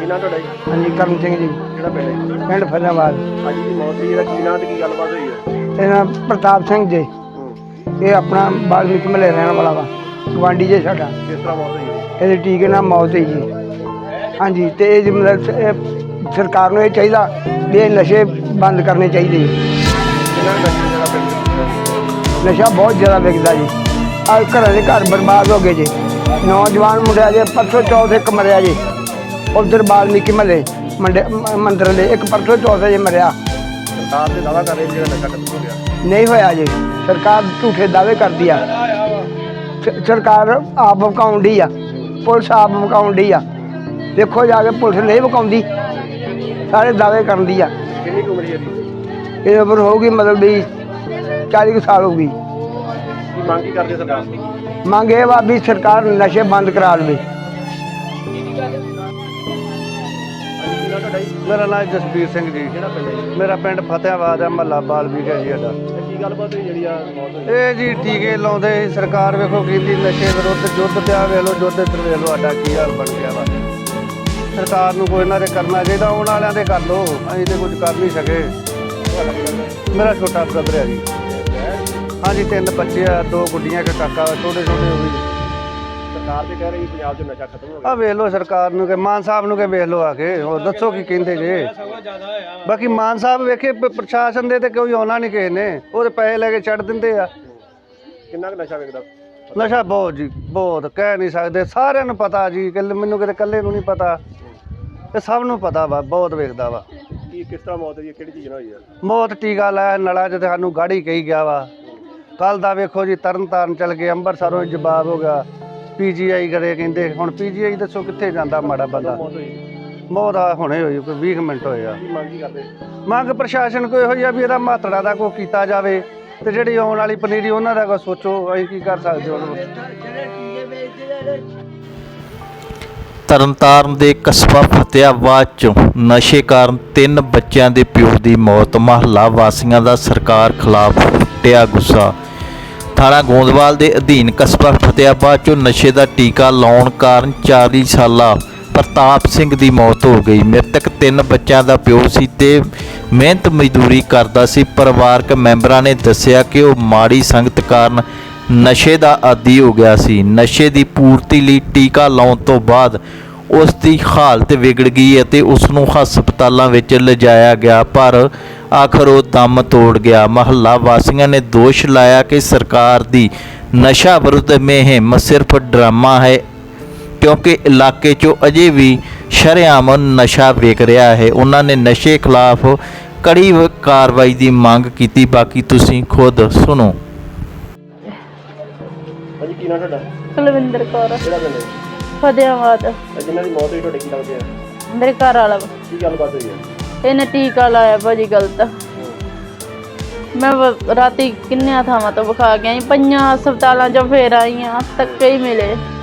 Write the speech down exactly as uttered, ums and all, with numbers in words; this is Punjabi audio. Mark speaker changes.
Speaker 1: नाम ਤੁਹਾਡਾ ਜੀ?
Speaker 2: ਹਾਂਜੀ ਕਰਮ ਸਿੰਘ ਜੀ,
Speaker 1: ਕਿਹੜਾ ਪਿੰਡ ਹੈ?
Speaker 2: ਪਿੰਡ ਫਤਿਆਬਾਦ।
Speaker 1: ਅੱਜ ਦੀ ਮੌਤ ਦੀ ਇਹਦਾ ਕੀ ਨਾਂ ਤੇ ਕੀ ਗੱਲਬਾਤ ਹੋਈ ਹੈ?
Speaker 2: ਇਹਦਾ ਪ੍ਰਤਾਪ ਸਿੰਘ ਜੀ,
Speaker 1: ਹੂੰ।
Speaker 2: ਇਹ ਆਪਣਾ ਬਾਲਮੀਕ ਮਹੱਲੇ ਰਹਿਣ ਵਾਲਾ ਵਾ, ਗਵਾਂਢੀ ਜੇ ਸਾਡਾ।
Speaker 1: ਕਿਸ ਤਰ੍ਹਾਂ ਮੌਤ ਹੋਈ ਹੈ?
Speaker 2: ਇਹਦੇ ਟੀਕੇ ਨਾਲ ਮੌਤ ਹੋਈ ਜੀ। ਹਾਂਜੀ, ਤੇ ਇਹ ਜੀ ਮਤਲਬ ਇਹ ਸਰਕਾਰ ਨੂੰ ਇਹ ਚਾਹੀਦਾ ਵੀ ਇਹ ਨਸ਼ੇ ਬੰਦ ਕਰਨੇ ਚਾਹੀਦੇ ਜੀ।
Speaker 1: ਕਿੰਨਾ ਕੁ ਨਸ਼ੇ ਜਿਹੜਾ ਪਿੰਡ
Speaker 2: ਨਸ਼ਾ ਬਹੁਤ ਜ਼ਿਆਦਾ ਵਿਕਦਾ ਜੀ। ਆ ਘਰਾਂ ਦੇ ਘਰ ਬਰਬਾਦ ਹੋ ਗਏ ਜੀ। ਨੌਜਵਾਨ ਮੁੰਡਿਆ ਜੇ ਪਰਸੋਂ ਚੌਥ ਇੱਕ ਮਰਿਆ ਜੀ, ਉਧਰ ਬਾਲਮੀਕੀ ਮਹੱਲੇ ਮੰਡੇ ਮੰਦਰ ਦੇ ਇੱਕ ਪਰਸੋਂ ਚੌਥ ਜੇ ਮਰਿਆ।
Speaker 1: ਸਰਕਾਰ ਤੇ ਦਾਅਵਾ ਕਰ ਰਹੀ ਜਿਹੜਾ ਨਸ਼ਾ ਖਤਮ ਹੋ ਗਿਆ।
Speaker 2: ਨਹੀਂ ਹੋਇਆ ਜੀ, ਸਰਕਾਰ ਝੂਠੇ ਦਾਅਵੇ ਕਰਦੀ ਆ। ਸ- ਸਰਕਾਰ ਆਪ ਵਿਕਾਉਣ ਡਈ ਆ, ਪੁਲਿਸ ਆਪ ਵਿਕਾਉਣ ਡਈ ਆ। ਦੇਖੋ ਜਾ ਕੇ ਪੁਲਿਸ ਨਹੀਂ ਵਿਕਾਉਂਦੀ, ਸਾਰੇ ਦਾਅਵੇ ਕਰਦੀ ਆ।
Speaker 1: ਕਿੰਨੀ ਕੁ ਉਮਰ ਹੈ ਇਹਦੀ?
Speaker 2: ਇਹ ਉਮਰ ਹੋਊਗੀ ਮਤਲਬ ਵੀ ਚਾਲੀ ਕੁ ਸਾਲ ਹੋਊਗੀ।
Speaker 1: ਕੀ ਮੰਗ ਕੀ ਕਰਦੇ ਸਰਕਾਰ ਤੋਂ?
Speaker 2: ਮੰਗ ਇਹ ਵਾ ਵੀ ਸਰਕਾਰ ਨਸ਼ੇ ਬੰਦ ਕਰਾ ਲਵੇ।
Speaker 3: ਮੇਰਾ ਨਾਮ ਜਸਬੀਰ ਸਿੰਘ ਜੀ।
Speaker 1: ਕਿਹੜਾ ਪਿੰਡ ਹੈ ਜੀ?
Speaker 3: ਮੇਰਾ ਪਿੰਡ ਫਤਿਆਬਾਦ ਹੈ, ਮਹੱਲਾ ਬਾਲਮੀਕ ਹੈ ਜੀ ਸਾਡਾ।
Speaker 1: ਤੇ ਕੀ ਗੱਲਬਾਤ ਹੋਈ ਜਿਹੜੀ ਆ ਮੌਤ ਹੋਈ?
Speaker 3: ਇਹ ਜੀ ਟੀਕੇ ਲਾਉਂਦੇ ਸੀ, ਸਰਕਾਰ ਵੇਖੋ ਕਹਿੰਦੀ ਨਸ਼ੇ ਵਿਰੁੱਧ ਯੁੱਧ ਪਿਆ, ਵੇਖ ਲਓ ਯੁੱਧ ਇੱਧਰ ਵੇਖ ਲਓ ਸਾਡਾ ਕੀ ਹਾਲ ਬਣ ਗਿਆ ਵਾ। ਸਰਕਾਰ ਨੂੰ ਕੋਈ ਇਹਨਾਂ ਦੇ ਕਰਨਾ ਚਾਹੀਦਾ, ਆਉਣ ਵਾਲਿਆਂ ਦੇ ਕਰ ਲਓ, ਅਸੀਂ ਤੇ ਕੁਝ ਕਰ ਨਹੀਂ ਸਕੇ।
Speaker 1: ਤੁਹਾਡਾ ਕੀ ਲੱਗਦਾ ਹੈ?
Speaker 3: ਮੇਰਾ ਛੋਟਾ ਬ੍ਰਦਰ ਹੈ ਜੀ।
Speaker 1: ਹੈ?
Speaker 3: ਹਾਂਜੀ, ਤਿੰਨ ਬੱਚੇ ਆ, ਦੋ ਗੁੱਡੀਆਂ ਇੱਕ ਕਾਕਾ, ਛੋਟੇ ਛੋਟੇ ਉਹ ਵੀ।
Speaker 1: ਸਰਕਾਰ ਤੇ ਕਹਿ ਰਹੀ ਪੰਜਾਬ 'ਚ ਨਸ਼ਾ ਖਤਮ ਹੋ
Speaker 3: ਆ
Speaker 1: ਗਿਆ।
Speaker 3: ਵੇਖ ਲਓ ਸਰਕਾਰ ਨੂੰ ਕਿ ਮਾਨ ਸਾਹਿਬ ਨੂੰ ਕਿ ਵੇਖ ਲਓ ਆ ਕੇ, ਹੋਰ ਦੱਸੋ ਕੀ ਕਹਿੰਦੇ ਜੇ। ਬਾਕੀ ਮਾਨ ਸਾਹਿਬ ਵੇਖੇ ਪ- ਪ੍ਰਸ਼ਾਸਨ ਦੇ ਤੇ ਕੋਈ ਆਉਣਾ ਨਹੀਂ ਕਿਸੇ ਨੇ, ਉਹ ਤੇ ਪੈਸੇ ਲੈ ਕੇ ਛੱਡ ਦਿੰਦੇ ਆ।
Speaker 1: ਕਿੰਨਾ ਕੁ ਨਸ਼ਾ ਵਿਕਦਾ?
Speaker 3: ਨਸ਼ਾ ਬਹੁਤ ਜੀ, ਬਹੁਤ ਕਹਿ ਨਹੀਂ ਸਕਦੇ, ਸਾਰਿਆਂ ਨੂੰ ਪਤਾ ਜੀ, ਕਿ ਮੈਨੂੰ ਕਿਤੇ ਇਕੱਲੇ ਨੂੰ ਨਹੀਂ ਪਤਾ, ਇਹ ਸਭ ਨੂੰ ਪਤਾ ਵਾ, ਬਹੁਤ ਵੇਖਦਾ ਵਾ।
Speaker 1: ਕੀ ਕਿਸ ਤਰ੍ਹਾਂ ਮੌਤ ਹੋਈ ਹੈ? ਕਿਹੜੀ ਚੀਜ਼ ਨਾਲ ਹੋਈ ਹੈ?
Speaker 3: ਬਹੁਤ ਟੀਕਾ ਲਾਇਆ ਨਲਾਂ 'ਚ ਤੇ ਸਾਨੂੰ ਗਾੜੀ ਕਹੀ ਗਿਆ ਵਾ। ਕੱਲ ਦਾ ਵੇਖੋ ਜੀ ਤਰਨ ਤਾਰਨ ਚਲ ਗਏ, ਅੰਮ੍ਰਿਤਸਰੋਂ ਜਵਾਬ ਹੋ ਗਿਆ, ਪੀ ਜੀ ਆਈ ਕਰੇ ਕਹਿੰਦੇ। ਹੁਣ ਪੀ ਜੀ ਆਈ ਦੱਸੋ ਕਿੱਥੇ ਜਾਂਦਾ ਮਾੜਾ ਬੰਦਾ।
Speaker 1: ਮੌਤ ਹੋਈ?
Speaker 3: ਮੌਤ ਆ ਹੁਣੇ ਹੋਈ, ਕੋਈ ਵੀਹ ਕੁ ਮਿੰਟ ਹੋਏ ਆ।
Speaker 1: ਕੀ ਮੰਗ ਕੀ ਕਰਦੇ?
Speaker 3: ਮੰਗ ਪ੍ਰਸ਼ਾਸਨ ਕੋਈ ਇਹੋ ਜਿਹਾ ਵੀ ਇਹਦਾ ਮਾਤੜਾ ਦਾ ਕੋਈ ਕੀਤਾ ਜਾਵੇ, ਤੇ ਜਿਹੜੀ ਆਉਣ ਵਾਲੀ ਪਨੀਰੀ ਉਹਨਾਂ ਦਾ ਕੋਈ ਸੋਚੋ, ਅਸੀਂ ਕੀ ਕਰ ਸਕਦੇ ਹੁਣ।
Speaker 4: ਤਰਨਤਾਰਨ ਦੇ ਕਸਬਾ ਫਤਿਆਬਾਦ 'ਚ ਨਸ਼ੇ ਕਾਰਨ ਤਿੰਨ ਬੱਚਿਆਂ ਦੇ ਪਿਓ ਦੀ ਮੌਤ। ਮਹੱਲਾ ਵਾਸੀਆਂ ਦਾ ਸਰਕਾਰ ਖਿਲਾਫ ਫੁੱਟਿਆ ਗੁੱਸਾ। ਥਾਣਾ ਗੋਂਦਵਾਲ ਦੇ ਅਧੀਨ ਕਸਬਾ ਫਤਿਆਬਾਦ 'ਚ ਨਸ਼ੇ ਦਾ ਟੀਕਾ ਲਾਉਣ ਕਾਰਨ ਚਾਲੀ ਸਾਲਾ ਪ੍ਰਤਾਪ ਸਿੰਘ ਦੀ ਮੌਤ ਹੋ ਗਈ। ਮ੍ਰਿਤਕ ਤਿੰਨ ਬੱਚਿਆਂ ਦਾ ਪਿਓ ਸੀ ਤੇ ਮਿਹਨਤ ਮਜ਼ਦੂਰੀ ਕਰਦਾ ਸੀ। ਪਰਿਵਾਰਕ ਮੈਂਬਰਾਂ ਨੇ ਦੱਸਿਆ ਕਿ ਉਹ ਮਾੜੀ ਸੰਗਤ ਕਾਰਨ ਨਸ਼ੇ ਦਾ ਆਦੀ ਹੋ ਗਿਆ ਸੀ। ਨਸ਼ੇ ਦੀ ਪੂਰਤੀ ਲਈ ਟੀਕਾ ਲਾਉਣ ਤੋਂ ਬਾਅਦ ਉਸ ਦੀ ਹਾਲਤ ਵਿਗੜ ਗਈ ਅਤੇ ਉਸ ਨੂੰ ਹਸਪਤਾਲਾਂ ਵਿੱਚ ਲਿਜਾਇਆ ਗਿਆ, ਪਰ ਆਖਰ ਉਹ ਦਮ ਤੋੜ ਗਿਆ। ਮਹੱਲਾ ਵਾਸੀਆਂ ਨੇ ਦੋਸ਼ ਲਾਇਆ ਕਿ ਸਰਕਾਰ ਦੀ ਨਸ਼ਾ ਵਿਰੁੱਧ ਮੁਹਿੰਮ ਸਿਰਫ ਡਰਾਮਾ ਹੈ, ਕਿਉਂਕਿ ਇਲਾਕੇ 'ਚੋਂ ਅਜੇ ਵੀ ਸ਼ਰੇਆਮ ਨਸ਼ਾ ਵਿਕ ਰਿਹਾ ਹੈ। ਉਹਨਾਂ ਨੇ ਨਸ਼ੇ ਖਿਲਾਫ ਕੜੀ ਕਾਰਵਾਈ ਦੀ ਮੰਗ ਕੀਤੀ। ਬਾਕੀ ਤੁਸੀਂ ਖੁਦ ਸੁਣੋ।
Speaker 1: ਹਾਂਜੀ, ਕੀ ਨਾਂ ਤੁਹਾਡਾ?
Speaker 5: ਕੁਲਵਿੰਦਰ ਕੌਰ,
Speaker 1: ਕਿਹੜਾ ਪਿੰਡ ਹੈ?
Speaker 5: ਫਤਿਆਬਾਦ।
Speaker 1: ਤੇ ਜਿਨ੍ਹਾਂ ਦੀ ਮੌਤ ਹੋਈ ਤੁਹਾਡੇ ਕੀ ਲੱਗਦੇ ਆ?
Speaker 5: ਮੇਰੇ ਘਰ ਵਾਲਾ ਵਾ।
Speaker 1: ਕੀ ਗੱਲਬਾਤ ਹੋਈ ਹੈ?
Speaker 5: ਇਹਨੇ ਟੀਕਾ ਲਾਇਆ ਭਾਜੀ ਗਲਤ। ਮੈਂ ਵ- ਰਾਤੀ ਕਿੰਨਿਆਂ ਥਾਵਾਂ ਤੋਂ ਵਿਖਾ ਕੇ ਆਈ, ਪੰਜਾਂ ਹਸਪਤਾਲਾਂ 'ਚੋਂ ਫੇਰ ਆਈ ਹਾਂ, ਧੱਕੇ ਹੀ ਮਿਲੇ।